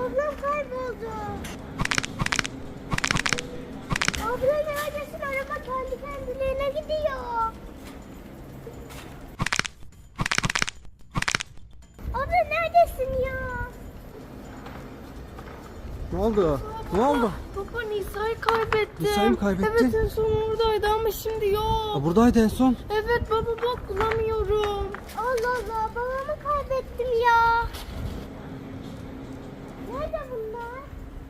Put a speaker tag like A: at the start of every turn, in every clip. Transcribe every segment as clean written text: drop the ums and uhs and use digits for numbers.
A: Ablam kayboldu. Abla neredesin? Araba kendi kendiliğine gidiyor. Abla neredesin ya?
B: Ne oldu? Ne oldu?
A: Baba Nisa'yı kaybettim.
B: Nisa'yı mı kaybettin?
A: Evet en son oradaydı ama şimdi yok.
B: Aa, buradaydı en son.
A: Evet baba bak bulamıyorum. Allah Allah babamı kaybettim ya. Nerede bunlar?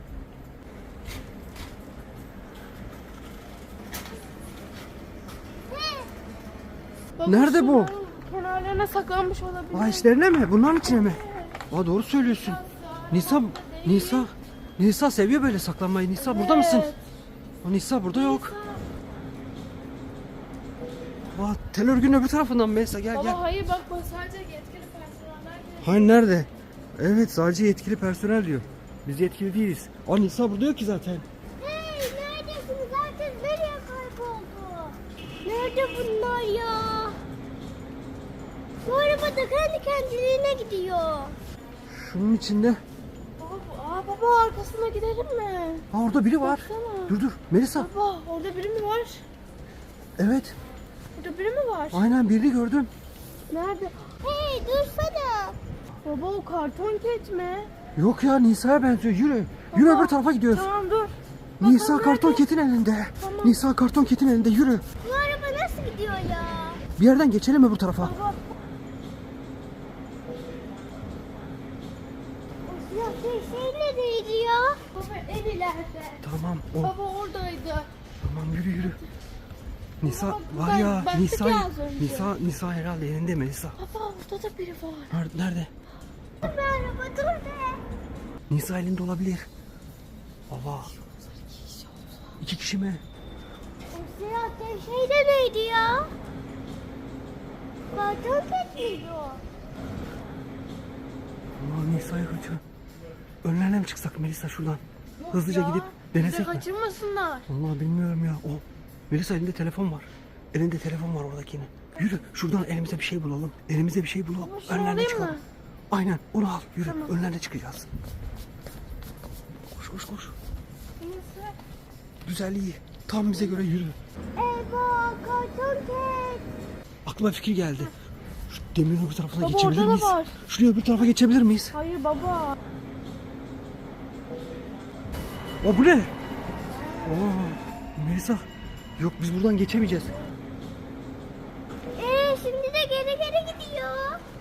A: Baba,
B: Nerede bu?
A: şunların kenarlarına saklanmış olabilir.
B: Aa, içlerine mi? Bunların içine mi? Aa, doğru söylüyorsun. Nisa seviyor böyle saklanmayı. Nisa burada mısın? Aa, Nisa burada yok. Aa, tel örgünün öbür tarafından Melisa gel
A: Baba
B: gel.
A: hayır bak sadece yetkili personeller geliyor.
B: Hayır nerede? Evet sadece yetkili personel diyor. Biz yetkili değiliz. Aa, Nisa burada yok ki zaten.
A: Hey neredesiniz? Herkes nereye kayboldu? Nerede bunlar ya? Bu araba da kendi kendiliğine gidiyor.
B: Şunun içinde.
A: Baba arkasına gidelim mi?
B: Aa, orada biri var.
A: Baksana.
B: Dur Melisa.
A: Baba orada biri mi var?
B: Evet.
A: Burada biri mi var?
B: Aynen birini gördüm.
A: Nerede? Hey dursana. Baba o karton ket mi?
B: Yok ya Nisa'ya benziyor. Yürü. Yürü
A: Baba,
B: öbür tarafa gidiyoruz.
A: Tamam dur.
B: Nisa
A: Baba,
B: karton
A: nerede?
B: ketin elinde.
A: Tamam.
B: Nisa karton ketin elinde yürü.
A: Bu araba nasıl gidiyor ya?
B: Bir yerden geçelim öbür tarafa.
A: Baba. O siyah şey neredeydi ya? Baba en ileride.
B: Tamam o.
A: Baba oradaydı.
B: Tamam yürü. Nisa
A: Baba,
B: var ya
A: ben
B: Nisa
A: tık az önce.
B: Nisa herhalde elinde mi Nisa?
A: Baba orada da biri var.
B: Nerede?
A: Bir araba dur be.
B: Nisa elinde olabilir. Baba. İki kişi mi?
A: O siyah şey de neydi ya? Karton ket miydi o?
B: Aa, Nisa'ya kaçıyor. Önlerine mi çıksak Melisa şuradan? Hızlıca
A: Ya,
B: gidip
A: bizi
B: denesek mi?
A: kaçırmasınlar.
B: Vallahi bilmiyorum ya. O Melisa elinde telefon var. Elinde telefon var oradakinin. Yürü şuradan elimize bir şey bulalım. Elimize bir şey bulalım.
A: Ama şunu
B: Önlerine
A: alayım
B: çıkalım.
A: mı?
B: Aynen onu al. Yürü
A: Tamam.
B: önlerine çıkacağız. Koş.
A: Neyse.
B: Güzel iyi. Tam bize göre yürü.
A: Eyvah karton ket.
B: Aklıma fikir geldi. Şu demirin öbür tarafına
A: Baba,
B: geçebilir
A: orada da
B: miyiz?
A: var.
B: Şuraya öbür tarafa geçebilir miyiz?
A: Hayır baba.
B: O bu ne? Oo, Melisa. Yok biz buradan geçemeyeceğiz.
A: Şimdi de geri gidiyor.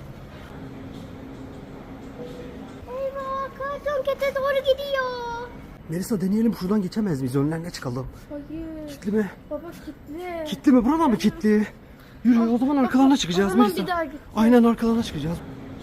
A: Eyvah karton kete doğru gidiyor.
B: Melisa deneyelim şuradan geçemez miyiz? Önlerine çıkalım.
A: Hayır.
B: Kilitli mi?
A: Baba kilitli.
B: Kilitli mi? Buradan mı kilitli? Yürü o zaman arkalarına çıkacağız
A: o zaman
B: Melisa.
A: bir daha git.
B: Aynen arkalarına çıkacağız.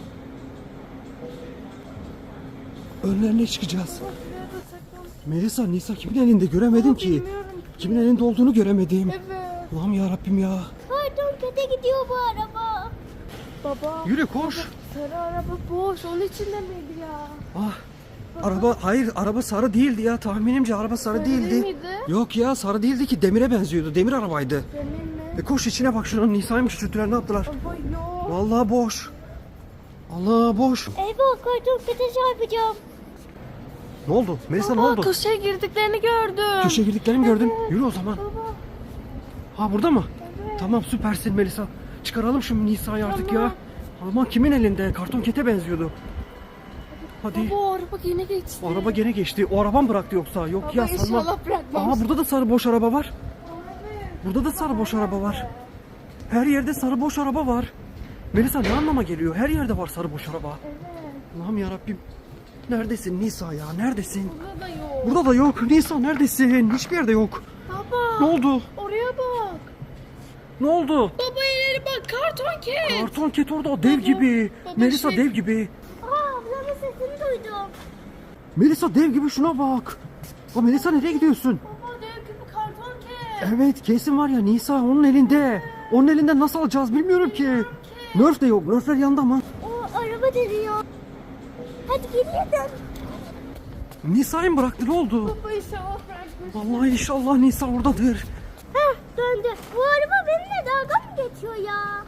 B: Önlerine çıkacağız.
A: Baba şuraya da saklan.
B: Melisa, Nisa kimin elinde göremedim
A: Baba,
B: ki.
A: bilmiyorum.
B: Kimin elinde olduğunu göremedim.
A: Evet.
B: Allah'ım ya Rabbim ya.
A: Karton kete gidiyor bu araba. Baba.
B: Yürü koş.
A: Sarı araba boş. Onun içinde miydi ya?
B: Ah. Araba sarı değildi ya. Tahminimce araba sarı
A: Sarı
B: değildi.
A: değil miydi?
B: Yok ya sarı değildi ki demire benziyordu. Demir arabaydı.
A: Benim mi?
B: Koş içine bak şunun Nisa'yı mı küçülttüler ne yaptılar?
A: Baba yok.
B: Vallahi boş. Allah boş.
A: Eyvah karton kete çarpacağım.
B: Ne oldu? Melisa ne
A: Baba
B: oldu?
A: köşeye girdiklerini gördüm.
B: Köşeye girdiklerini gördün.
A: Evet.
B: Yürü o zaman.
A: Baba.
B: Ha burada mı?
A: Evet.
B: Tamam süpersin Melisa. Çıkaralım şu Nisa'yı artık
A: Tamam.
B: ya. Ama kimin elinde? Karton kete benziyordu. Hadi.
A: Baba o araba yine geçti.
B: O araba gene geçti. O araba mı bıraktı yoksa? Yok
A: Baba
B: ya sanmam.
A: inşallah bırakmaz.
B: Aha burada da sarı boş araba var.
A: Abi.
B: Burada da sarı boş araba var. Her yerde sarı boş araba var. Melisa ne anlama geliyor? Her yerde var sarı boş araba.
A: Evet.
B: Allah'ım yarabbim. Neredesin Nisa ya? Neredesin?
A: Burada da yok.
B: Burada da yok. Nisa neredesin? Hiçbir yerde yok.
A: Baba.
B: Ne oldu?
A: Oraya bak.
B: Ne oldu?
A: Baba ileri bak karton ket.
B: Karton ket orada o dev
A: Baba,
B: gibi.
A: baba
B: Melisa
A: şey-
B: dev gibi.
A: Ablamın sesini duydum.
B: Melisa dev gibi şuna bak. O Melisa nereye gidiyorsun?
A: Baba dev gibi karton ket.
B: Evet kesin var ya Nisa onun elinde. Onun elinden nasıl alacağız bilmiyorum ki. Nerf de yok. Nerfler yanında mı?
A: O araba dönüyor. Hadi geriye dön.
B: Nisa'yı mı bıraktı ne oldu?
A: Baba inşallah bırakmış.
B: Vallahi inşallah Nisa oradadır.
A: Heh döndü. Bu araba benimle dalga mı geçiyor ya?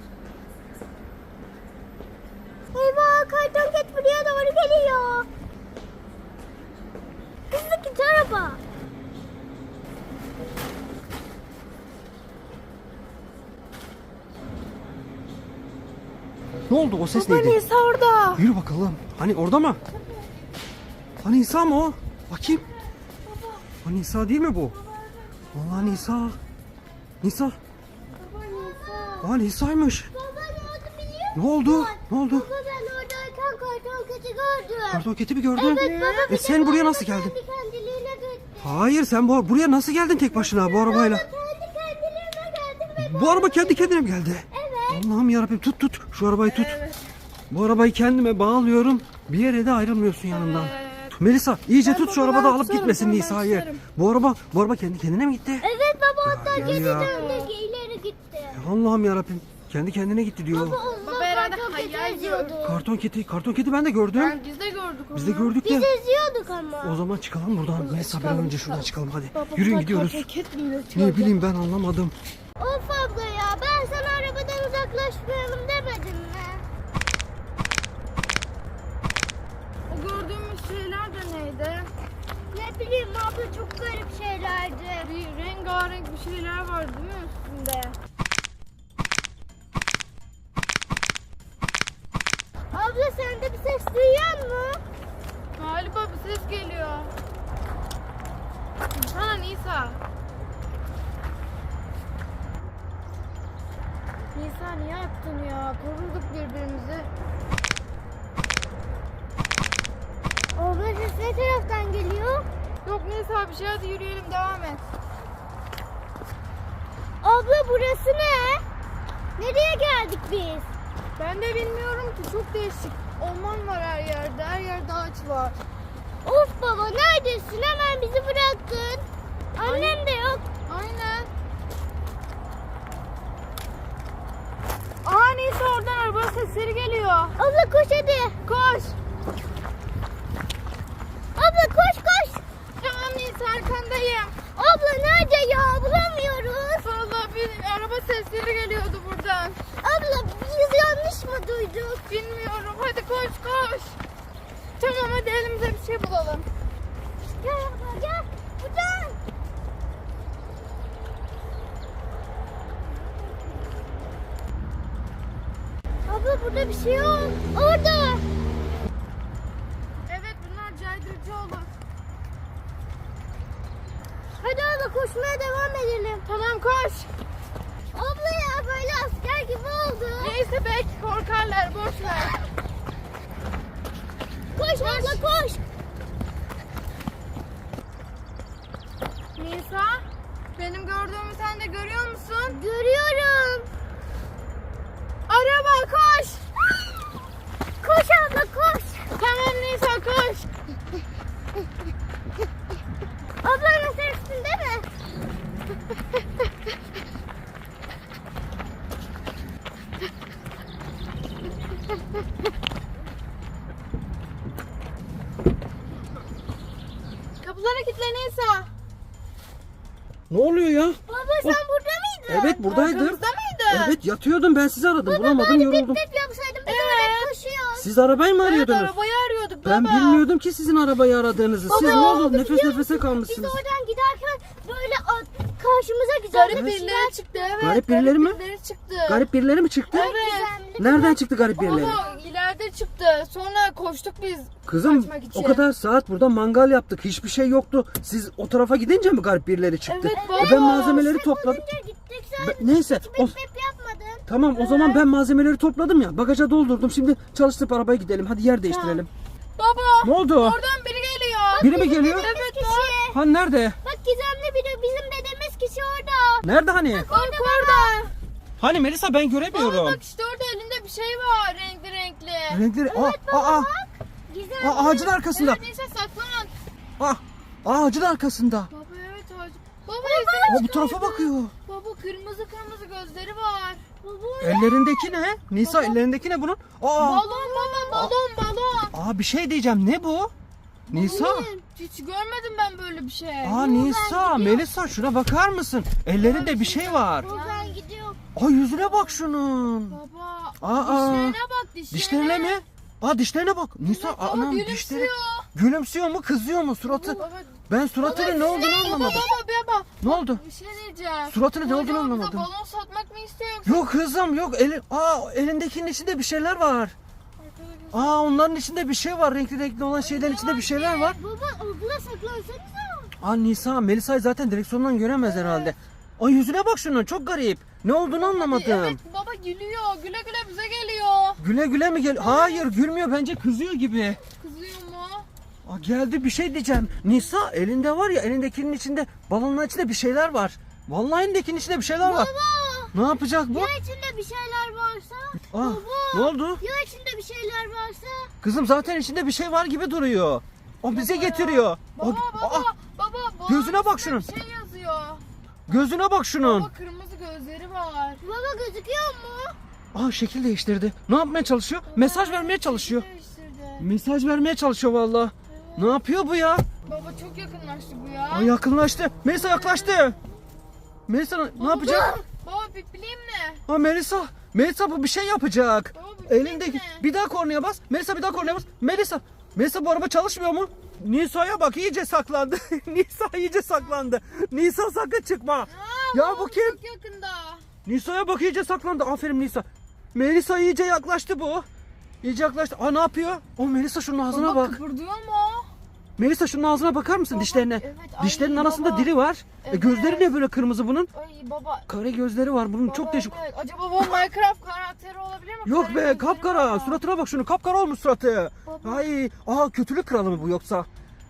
A: Eyvah karton ket buraya doğru geliyor.
B: Ne oldu? O ses
C: Baba
B: neydi?
C: Nisa orada.
B: Yürü bakalım. Hani orada mı? Hani Nisa mı o? Bakayım. Hani Nisa değil mi bu? Vallahi Nisa. Nisa.
A: Baba Nisa.
B: Aa Nisa'ymış.
A: Baba ne oldu biliyor musun?
B: Ne oldu? Ne oldu?
A: Baba ben oradayken karton keti gördüm.
B: Kartoketi mi gördün?
A: Evet baba.
B: Sen buraya nasıl geldin?
A: Kendi kendiliğine gitti.
B: Hayır sen buraya nasıl geldin tek başına bu arabayla?
A: Kendi kendiliğine geldim ve
B: Bu araba kendi kendine mi geldi?
A: evet.
B: Allah'ım yarabbim tut. Şu arabayı tut. Bu arabayı kendime bağlıyorum. Bir yere de ayrılmıyorsun yanından. Melisa iyice
C: Ben
B: tut şu
C: babama
B: arabada alıp
C: tutarım,
B: gitmesin
C: tamam, ben
B: Nisa'yı.
C: tutarım.
B: Bu araba kendi kendine mi gitti?
A: Evet baba hatta
B: Ya,
A: geri
B: ya.
A: döndü ileri gitti.
B: Allah'ım yarabbim. Kendi kendine gitti diyor.
C: Baba herhalde
A: Karton keti
C: hayal
A: eziyordu.
B: Karton kedi ben de gördüm.
C: Biz de gördük onu.
B: Biz de gördük
A: Biz
B: de.
A: eziyorduk ama.
B: O zaman çıkalım buradan. Melisa bir an önce şuradan çıkalım hadi.
C: Baba,
B: Yürüyün
C: bunlar
B: gidiyoruz.
C: kartoket mi üretiyor?
B: Ne bileyim ben anlamadım.
A: Of abla ya ben sana arabadan uzaklaşmayalım demedim mi?
C: O gördüğümüz şeyler de neydi?
A: Ne bileyim abla çok garip şeylerdi.
C: Bir rengarenk bir şeyler var değil mi üstünde?
A: Abla sen de bir ses duyuyor musun?
C: Galiba bir ses geliyor. Ha Nisa. Nisa niye attın ya? Koruduk birbirimizi.
A: Abla ses ne taraftan geliyor?
C: Yok Nisa bir şey, hadi yürüyelim, devam et.
A: Abla burası ne? Nereye geldik biz?
C: Ben de bilmiyorum ki, çok değişik. Orman var her yerde, her yerde ağaç var.
A: Of baba neredesin? Hemen bizi bıraktın. Annem de yok.
C: Aynen. Aa Nisa, oradan araba sesleri geliyor.
A: Abla koş hadi.
C: Koş.
A: Abla koş koş.
C: Tamam Nisa, arkandayım.
A: Abla nerede ya? Bulamıyoruz.
C: Vallahi bir araba sesleri geliyordu buradan.
A: Abla biz yanlış mı duyduk?
C: Bilmiyorum, hadi koş koş. Tamam hadi elimize bir şey bulalım.
A: Gel abla gel. Buradan. Abla burada bir şey yok. Orada.
C: Evet, bunlar caydırıcı olur.
A: Hadi abla koşmaya devam edelim.
C: Tamam koş.
A: Abla ya böyle asker gibi oldu.
C: Neyse belki korkarlar, boş ver.
A: Koş abla koş.
C: Nisa, benim gördüğümü sen de görüyor musun?
A: Görüyorum.
C: Araba koş.
A: Koş abla koş.
C: Tamam Nisa, koş.
A: Ablanın sen üstünde mi?
C: Kapılara kilitle Nisa.
B: Ne oluyor ya?
A: Baba sen burada mıydın?
B: Evet buradaydım.
C: Arkamızda mıydın?
B: Evet yatıyordum ben sizi aradım. Bulamadım yoruldum.
A: Pip yapsaydım biz oraya koşuyoruz.
B: Siz arabayı mı
C: Evet,
B: arıyordunuz?
C: arabayı arıyorduk
B: Ben
C: baba.
B: bilmiyordum ki sizin arabayı aradığınızı. Siz ne oldu? Nefes nefese
A: Biz
B: kalmışsınız.
A: oradan giderken böyle karşımıza güzel
C: Garip
A: bir
C: birileri çıktı, evet.
B: Garip birileri mi?
C: birileri çıktı.
B: Garip birileri mi çıktı?
C: Evet.
B: Nereden çıktı garip birileri?
C: Baba ileride çıktı. Sonra koştuk biz.
B: Kızım
C: kaçmak için.
B: o kadar saat burada mangal yaptık. Hiçbir şey yoktu. Siz o tarafa gidince mi garip birileri çıktı?
C: Evet,
B: E
C: baba.
B: ben malzemeleri topladım.
A: Önce gittik sen
B: Neyse. O,
A: pip yapmadın.
B: tamam o zaman ben malzemeleri topladım ya. Bagaja doldurdum. Şimdi çalıştırıp arabaya gidelim. Hadi yer değiştirelim.
C: Baba.
B: Ne oldu?
C: Oradan biri geliyor.
B: Biri mi geliyor?
C: Evet bak.
A: Kişi.
B: Ha nerede?
A: Bak gizemli biri bizim dediğimiz kişi orada.
B: Nerede hani?
C: Bak orada.
B: Hani Melisa ben
C: Baba
B: göremiyorum.
C: bak işte orada elinde bir şey var, renkli renkli.
B: Renkleri.
A: Gizemli.
B: Ağacın arkasında.
C: Evet neyse saklan.
B: Ağacın arkasında.
C: Baba evet ağacı. Baba
B: Bu tarafa bakıyor.
C: Baba kırmızı kırmızı gözleri var. Baba
B: Ellerindeki ne? Nisa ellerindeki ne bunun?
C: balon baba, balon.
B: Bir şey diyeceğim. Ne bu? Nisa.
C: Hiç görmedim ben böyle bir şey.
B: Nisa, Melisa şuna bakar mısın? Ellerinde bir şey var.
A: Buradan gidiyor.
B: Yüzüne bak şunun.
C: Baba
B: Aa,
C: dişlerine bak, dişlerine.
B: Dişlerine mi? Dişlerine bak. Nisa,
C: Baba
B: anam
C: gülümsüyor.
B: dişleri. Gülümsüyor mu, kızıyor mu suratı?
C: Baba,
B: Ben suratının ne olduğunu anlamadım.
C: baba.
B: Ne oldu?
C: Bir şey diyeceğim.
B: Suratının ne
C: Bu
B: olduğunu
C: acaba bize
B: anlamadım.
C: balon satmak mı istiyor yoksa?
B: Yok kızım yok. Elindekinin içinde bir şeyler var. Onların içinde bir şey var. Renkli renkli olan şeylerin içinde bir şeyler var.
A: Baba okula saklansanıza.
B: Nisa, Melisa'yı zaten direksiyondan göremez herhalde. Ay yüzüne bak şunun, çok garip. Ne olduğunu anlamadım.
C: Evet baba gülüyor. Güle güle bize geliyor.
B: Güle güle mi gel? Hayır, gülmüyor, bence kızıyor gibi.
C: Kızıyor mu?
B: Geldi, bir şey diyeceğim. Nisa, elinde var ya, elindekinin içinde, balonun içinde bir şeyler var. Vallahi elindekinin içinde bir şeyler var. Ne yapacak bu?
A: Ya içinde bir şeyler varsa?
B: Ne oldu?
A: Ya içinde bir şeyler varsa?
B: Kızım zaten içinde bir şey var gibi duruyor. O bize getiriyor.
C: Baba baba.
B: Gözüne bak şunun.
C: Bir şey yazıyor.
B: Gözüne bak şunun.
C: Baba kırmızı gözleri var.
A: Baba gözüküyor mu?
B: Şekil değiştirdi. Ne yapmaya çalışıyor? Mesaj vermeye çalışıyor.
C: Değiştirdi.
B: Mesaj vermeye çalışıyor vallahi. Ne yapıyor bu ya?
C: Baba çok yakınlaştı bu ya.
B: Yakınlaştı. Melisa yaklaştı. Melisa ne yapacak?
C: Baba pipliyim ne?
B: Melisa bu bir şey yapacak.
C: Baba pipliyim
B: Elindeki.
C: ne?
B: Bir daha kornaya bas. Melisa bir daha kornaya bas. Melisa bu araba çalışmıyor mu? Nisa'ya bak, iyice saklandı. Nisa iyice saklandı. Nisa sakın çıkma. Ya bu kim?
C: Çok yakında.
B: Nisa'ya bak, iyice saklandı. Aferin Nisa. Melisa iyice yaklaştı bu. İyice yaklaştı. Ne yapıyor? Melisa şunun ağzına
C: Baba
B: bak.
C: kıpırdıyor mu?
B: Melisa şunun ağzına bakar mısın,
C: Baba,
B: dişlerine?
C: evet, ay
B: Dişlerinin arasında
C: baba.
B: dili var.
C: Evet.
B: Gözleri ne böyle kırmızı bunun?
C: Ay baba.
B: Kare gözleri var bunun,
C: Baba,
B: çok değişik.
C: evet. Acaba bu Minecraft karakteri olabilir mi?
B: Yok
C: Kare
B: be,
C: gözleri
B: kapkara.
C: var.
B: Suratına bak şunu, kapkara olmuş suratı.
C: Baba.
B: Ay, kötülük kralı mı bu yoksa?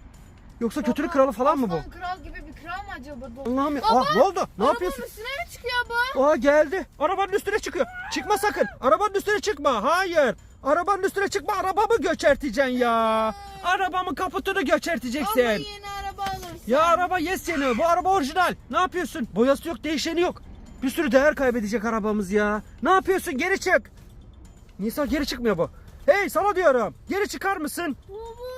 B: Yoksa
C: Baba,
B: kötülük kralı falan mı bu?
C: Aslan kral gibi bir kral mı acaba bu?
B: Allah'ım ya.
C: Baba,
B: Ne oldu? Ne yapıyorsun?
C: Arabanın üstüne mi çıkıyor bu?
B: Geldi. Arabanın üstüne çıkıyor. Çıkma sakın. Arabanın üstüne çıkma. Hayır. Arabanın üstüne çıkma. Arabamı göçerteceksin ya. Arabamın kaputunu göçerteceksin.
C: Ama yeni araba alırsın.
B: Ya araba yes seni. Bu araba orijinal. Ne yapıyorsun? Boyası yok, değişeni yok. Bir sürü değer kaybedecek arabamız ya. Ne yapıyorsun? Geri çık. Nisa, geri çıkmıyor bu. Hey, sana diyorum. Geri çıkar mısın?
A: Baba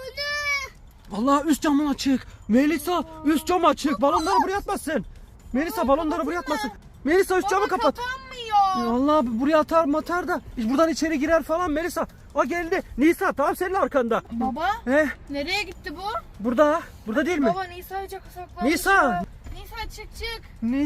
A: ne?
B: Allah, üst camın açık. Melisa, üst cam açık. Balonları buraya atmasın. Melisa, balonları buraya atmasın. Melisa, üst camı
C: Baba
B: kapat.
C: kapanmıyor.
B: Allah, buraya atar matar da buradan içeri girer falan Melisa. Geldi. Nisa, tam senin arkanda.
C: Baba nereye gitti bu?
B: Burada değil mi?
C: Baba Nisa'yı çok saklanmış.
B: Nisa.
C: Nisa çık.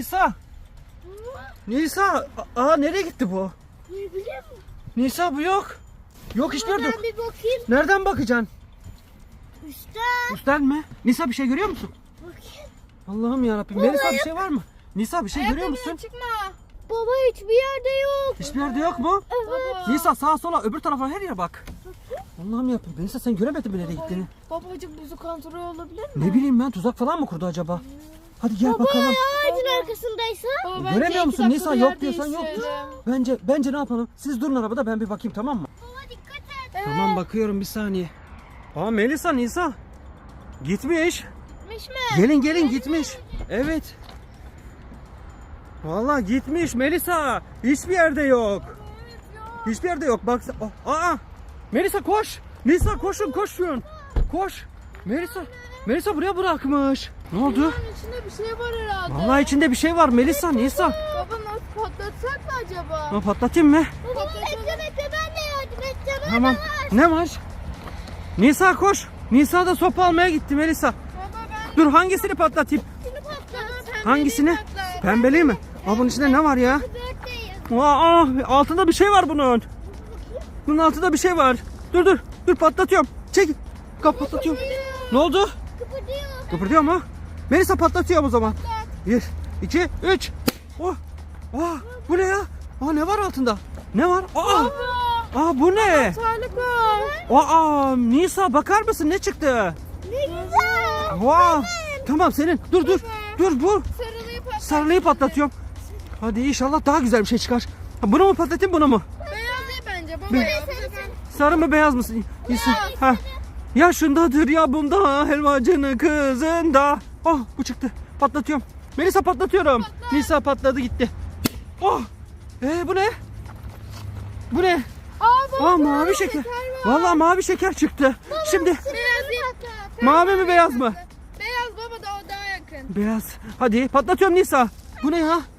B: Nisa, nereye gitti bu?
A: Ne bileyim.
B: Nisa, bu yok. Yok, hiçbir yerde yok.
A: Ben bir bakayım.
B: Nereden bakacaksın?
A: Üstten.
B: Üstten mi? Nisa, bir şey görüyor musun?
A: Bakayım.
B: Allah'ım yarabbim. Melisa, bir şey var mı? Nisa, bir şey görüyor musun?
C: Çıkma.
A: Baba hiçbir yerde yok.
B: Hiçbir yerde yok mu?
C: Baba.
B: Nisa, sağa sola, öbür tarafa, her yere bak. Allah'ım yarabbim. Melisa, sen göremedin mi nereye gittiğini?
C: Babacığım buzu kontrol olabilir mi?
B: Ne bileyim ben, tuzak falan mı kurdu acaba? Hadi gel bakalım.
A: Ağacın arkasındaysa.
C: Baba,
B: Göremiyor
C: bence
B: musun?
C: 2
B: Nisa,
C: dakikada
B: yok
C: yer
B: diyorsan yok.
C: değiştirelim.
B: Bence ne yapalım? Siz durun arabada, ben bir bakayım, tamam mı?
A: Baba dikkat et.
B: Tamam, bakıyorum, bir saniye. Melisa, Nisa. Gitmiş.
C: Gitmiş mi?
B: Gelin gitmiş. Evet. Vallahi gitmiş Melisa. Hiçbir yerde yok. Hiçbir yerde yok. Bak. Melisa koş. Nisa, koşun. Koş. Melisa buraya bırakmış. Ne oldu?
C: Bunun içinde bir şey var herhalde.
B: Vallahi içinde bir şey var Melisa, Nisa.
C: Baba nasıl patlatsak mı acaba?
B: Patlatayım mı?
A: Baba bekle ben de yardım edeceğim.
B: Tamam. Ne var? Nisa koş. Nisa da sopa almaya gitti Melisa.
C: Baba ben
B: Dur, hangisini patlatayım?
A: Şunu patlat.
B: Hangisini? Pembeli mi? Bunun içinde ne var ya?
A: Birthday.
B: Altında bir şey var bunun. Bunun altında bir şey var. Dur patlatıyorum. Çek. Patlatıyorum. Ne oldu?
A: Kıpırdıyor.
B: Kıpırdıyor mu? Melisa, patlatıyorum o zaman. 1, 2, 3. Bu ne ya? Ne var altında? Ne var? Bu ne?
C: Sağlık var.
B: Nisa, bakar mısın ne çıktı?
A: Ne güzel.
B: Tamam, senin. Dur bu.
C: Sarılıyı patlat.
B: Sarılıyı patlatıyorum. Hadi inşallah daha güzel bir şey çıkar. Bunu mu patlatayım, bunu mu?
C: Beyaz değil bence baba ya.
B: Sarı mı, beyaz mı? Yaşındadır ya bunda, helvacının kızında. Bu çıktı. Patlatıyorum. Melisa, patlatıyorum. Nisa patladı gitti. Bu ne? Bu ne? Mavi şeker. Vallahi mavi şeker çıktı. Şimdi
C: Beyaz değil.
B: mavi mi, beyaz mı?
C: Beyaz baba da o daha yakın.
B: Beyaz. Hadi patlatıyorum Nisa. Bu ne ya?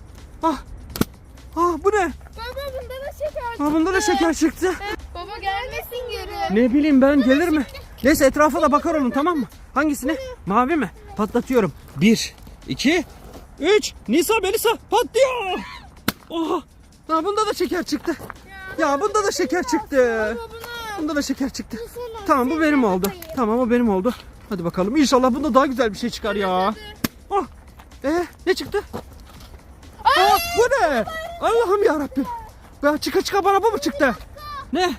B: Bu ne?
C: Baba bunda da şeker çıktı.
B: Bunda da şeker çıktı.
C: Baba gelmesin geri.
B: Ne bileyim ben, gelir mi? Neyse etrafa da bakar olun, tamam mı? Hangisine? Mavi mi? Patlatıyorum. 1, 2, 3. Nisa, Melisa patlıyor. Oha. Ya bunda da şeker çıktı. Ya bunda da şeker çıktı. Bunda da şeker çıktı. Tamam, bu benim oldu. Tamam, o benim oldu. Hadi bakalım. İnşallah bunda daha güzel bir şey çıkar ya. Oh. Ne çıktı? Aa, bu ne? Allah'ım ya Rabbim. Ya çıka çıka bana bu mu çıktı? Ne?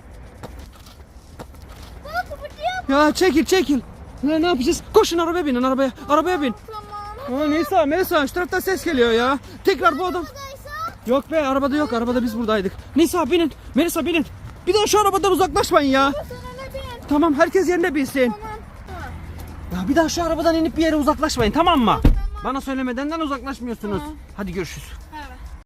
B: Ya çekil. Ne yapacağız? Koşun, arabaya binin, arabaya. Arabaya bin.
C: Tamam.
B: Aa, Nisa, Melisa, şu taraftan ses geliyor ya. Tekrar bu adam. Yok be, arabada yok. Arabada biz buradaydık. Nisa binin. Melisa binin. Bir daha şu arabadan uzaklaşmayın ya.
C: Sen öne bin.
B: Tamam, herkes yerine binsin.
C: Tamam.
B: Ya bir daha şu arabadan inip bir yere uzaklaşmayın, tamam mı? Bana söylemedenden uzaklaşmıyorsunuz. Hadi görüşürüz.